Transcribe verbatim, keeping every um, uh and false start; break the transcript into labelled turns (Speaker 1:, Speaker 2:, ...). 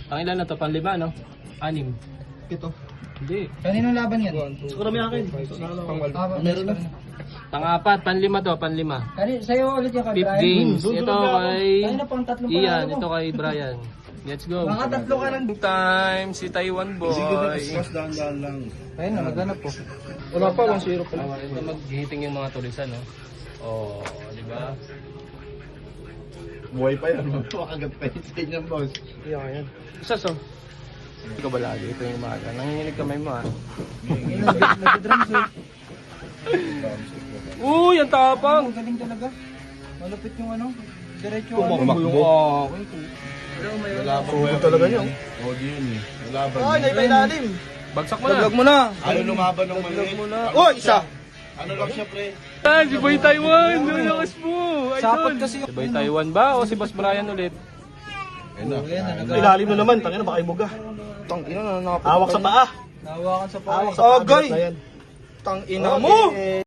Speaker 1: Ang ilan na to? Panlima, no? Anim.
Speaker 2: Ito.
Speaker 1: Hindi.
Speaker 3: Kaninong laban yan?
Speaker 2: Siguro may akin.
Speaker 3: Ah,
Speaker 2: Meron na.
Speaker 1: Pang-apat, panlima to, panlima.
Speaker 3: Kani, sa'yo ulit yung kay
Speaker 1: Fifth
Speaker 3: Brian.
Speaker 1: games.
Speaker 2: Hmm,
Speaker 1: Ito
Speaker 2: sunod na
Speaker 1: kay
Speaker 3: Kanina pang tatlong
Speaker 1: Ian,
Speaker 3: panalo mo.
Speaker 1: ito kay Brian. Let's go.
Speaker 3: Mga tatlo ka lang.
Speaker 1: Time, si Taiwan boy.
Speaker 2: dahan-dahan lang.
Speaker 3: Ayun na, maghanap po.
Speaker 2: Wala pa, one zero pa.
Speaker 1: Ah, ito mag-hitting yung mga tulisan, no? Oh, di ba?
Speaker 2: Buhay pa yan. Makagat pa yun sa inyo, boss.
Speaker 1: Iyan, yan. Isa so. Ito ka ba lagi? Ito yung umaga. Nanginginig kamay mo, ha?
Speaker 3: Nag-drums eh.
Speaker 1: Uy, ang tapang!
Speaker 3: Ang galing talaga. Malupit yung ano. Diretso
Speaker 2: Tumakbo. Lalaban mo talaga niya. Oo, di yun eh. Lalaban.
Speaker 3: Ay, naipailalim.
Speaker 1: Bagsak mo na.
Speaker 3: Daglag mo na.
Speaker 2: Ano lumaban ng maliit?
Speaker 3: Oh, isa.
Speaker 2: Ano lang siya, pre?
Speaker 1: Ah, si Boy Taiwan! Ang lakas mo!
Speaker 3: Sapot kasi.
Speaker 1: Si Boy Taiwan ba o si Boss Brian ulit?
Speaker 2: Ayun na.
Speaker 4: Ilalim na naman, tangina baka ibuga.
Speaker 3: Tangina na nakapit.
Speaker 4: Hawak sa paa.
Speaker 3: Nahawakan sa paa.
Speaker 4: Hawak
Speaker 3: eh.
Speaker 4: sa paa.
Speaker 3: Agay.
Speaker 4: bigat na yan.
Speaker 3: Tangina mo.